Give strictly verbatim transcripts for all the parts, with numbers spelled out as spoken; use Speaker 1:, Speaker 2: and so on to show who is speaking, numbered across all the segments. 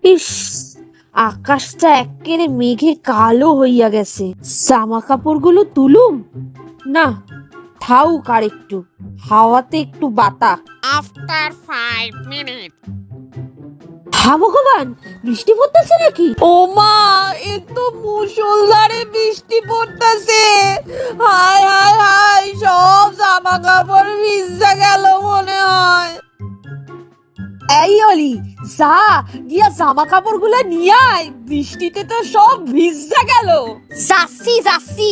Speaker 1: ইস, আকাশটা একেবারে মেঘে কালো হইয়া গেছে। জামা কাপড়গুলো তুলুম না, থাউক আর একটু, হাওয়াতে একটু বাতা।
Speaker 2: After five minutes.
Speaker 1: হা ভগবান, বৃষ্টি পড়তেছে নাকি? ও মা, এ তো মুষলধারে বৃষ্টি পড়তেছে। হায় হায় হায়, সব জামা কাপড় ভিজে গেল মনে হয়। এই অলি, যা গিয়া জামা কাপড় গুলা নিয়ে আয়, বৃষ্টিতে তো সব ভিজে গেল।
Speaker 3: যাচ্ছি যাচ্ছি।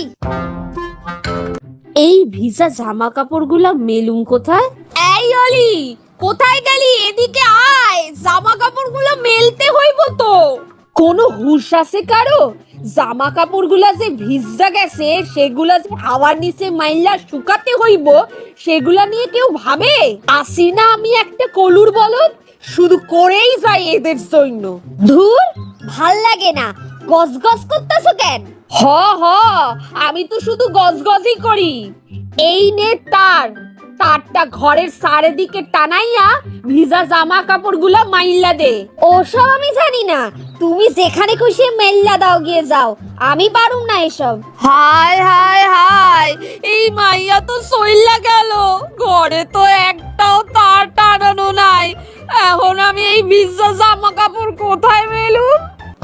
Speaker 1: এই ভিজা জামা কাপড় গুলা মেলুম কোথায়? এই অলি, কোথায় গেলি? এদিকে আয়, জামা কাপড় গুলা মেলতে হইব তো। কোনো হুঁশ আছে কারো? জামা কাপড় গুলা যে ভিজা গেছে সেগুলা যে হাওয়ার নিচে মাইলা শুকাতে হইব, সেগুলা নিয়ে কেউ ভাবে? আসি না আমি একটা কলুর বলদ, শুধু করেই যাই এদের জন্য।
Speaker 3: ধুর, ভাল লাগে না। গজ গজ করতেছো কেন?
Speaker 1: হ হ, আমি তো শুধু গজগজই করি। এই নে তার, তারটা ঘরের চারিদিকে টানাইয়া ভিজা জামা কাপড় গুলা মাইল্লা দে।
Speaker 3: ওসব আমি জানি না, তুমি যেখানে খুশি মেল্লা দাও, গিয়ে যাও, আমি পারুম না এসব।
Speaker 1: হায় হায় হায়, এই মাইয়া তো সইল্লা গেল, ঘরে তো একটাও তার টানানো নাই। এখন আমি এই ভিজা জামা কাপড় কোথায় মেলুম?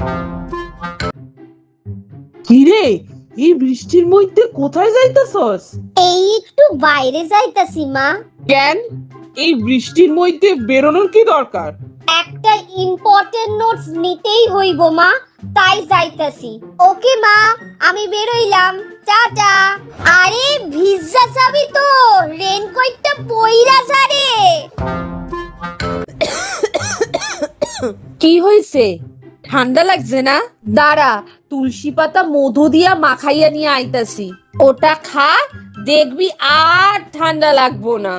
Speaker 4: কিরে, এই বৃষ্টির মধ্যে কোথায় যাইতাছস?
Speaker 3: এই একটু বাইরে যাইতাছি মা।
Speaker 4: কেন, এই বৃষ্টির মধ্যে বেরোনোর কি দরকার?
Speaker 3: একটা ইম্পর্টেন্ট নোটস নিতেই হইব মা, তাই যাইতাছি। ওকে মা, আমি বেরোইলাম, টাটা। আরে ভিজা যাবি তো, রেনকোটটা পইরা যা রে।
Speaker 1: কি হইছে? ঠান্ডা লাগছে না? দাঁড়া, তুলসী পাতা মধু দিয়া মাখাইয়া নিয়ে আইতাছি, ওটা খা, দেখবি আর ঠান্ডা লাগবো না।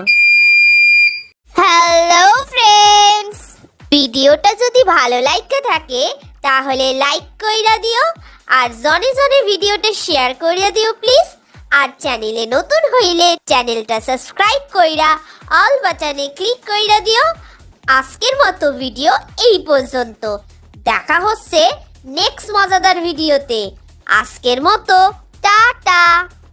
Speaker 3: হ্যালো ফ্রেন্ডস, ভিডিওটা যদি ভালো লাগতে থাকে তাহলে লাইক কইরা দিও, আর জনে জনে ভিডিওটা শেয়ার কইরা দিও প্লিজ। আর চ্যানেলে নতুন হইলে চ্যানেলটা সাবস্ক্রাইব কইরা অল বাটনে ক্লিক কইরা দিও। আজকের মতো ভিডিও এই পর্যন্ত, দেখা হচ্ছে নেক্সট মজাদার ভিডিওতে। আজকের মতো টাটা।